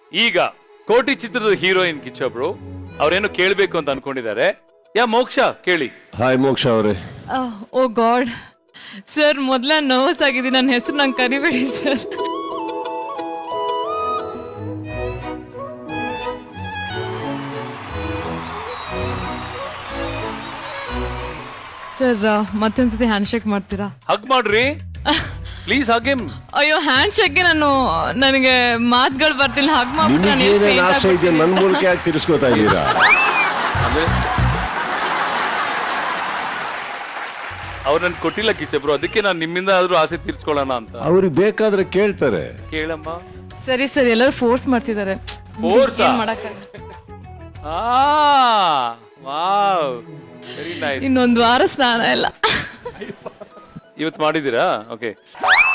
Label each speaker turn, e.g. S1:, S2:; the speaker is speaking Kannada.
S1: ಈಗ ಕೋಟಿ ಚಿತ್ರದ ಹೀರೋಯಿನ್ ಕಿಚ್ಚೊಬ್ರು ಅವ್ರೇನು ಕೇಳ್ಬೇಕು ಅಂತ ಅನ್ಕೊಂಡಿದ್ದಾರೆ. ಮೋಕ್ಷ ಕೇಳಿ.
S2: ಹಾಯ್ ಮೋಕ್ಷ ಅವರೇ.
S3: ಓ ಗಾಡ್ ಸರ್, ಮೊದಲ ನರ್ವಸ್ ಆಗಿದ್ದೀನಿ. ನನ್ನ ಹೆಸರು ನಂಗೆ ಕರಿಬೇಡಿ ಸರ್. ಸರ್ ಮತ್ತೊಂದ್ಸತಿ ಹ್ಯಾಂಡ್ ಶೇಕ್ ಮಾಡ್ತೀರಾ?
S1: ಹಗ್ ಮಾಡ್ರಿ ಪ್ಲೀಸ್. Hug him.
S3: ಅಯ್ಯೋ ಹ್ಯಾಂಡ್ ಶೇಕ್ಗೆ ನನಗೆ ಮಾತುಗಳು ಬರ್ತಿಲ್ಲ. ಹಗ್
S2: ನಿಮಗೇನೇನು ಆಸೆ ಇದೆ ನನ್ನ ಮೂಲಕ ಯಾಕೆ ತಿರ್ಸ್ಕೊತಾ ಇದ್ದೀರಾ?
S1: ಅಂದ್ರೆ ಅವ್ರು ನನ್ ಕೊಟ್ಟಿಲ್ಲ ಕಿಚ್ಚಬ್ರು, ಅದಕ್ಕೆ ನಾನು ನಿಮ್ಮಿಂದ ಆದ್ರೂ ಆಸೆ ತೀರ್ಸ್ಕೊಳ್ಳೋಣ ಅಂತ.
S2: ಅವ್ರಿಗೆ ಬೇಕಾದ್ರೆ ಕೇಳ್ತಾರೆ.
S1: ಕೇಳಮ್ಮ.
S3: ಸರಿ ಸರ್, ಎಲ್ಲರೂ ಫೋರ್ಸ್ ಮಾಡ್ತಿದ್ದಾರೆ.
S1: ಫೋರ್ಸ್
S3: ಮಾಡಕ್ಕಾಗಲ್ಲ.
S1: Wow very nice.
S3: ಇನ್ನೊಂದು ವಾರ ಸ್ನಾನ ಇಲ್ಲ.
S1: ಇವತ್ತು ಮಾಡಿದ್ದೀರಾ? ಓಕೆ.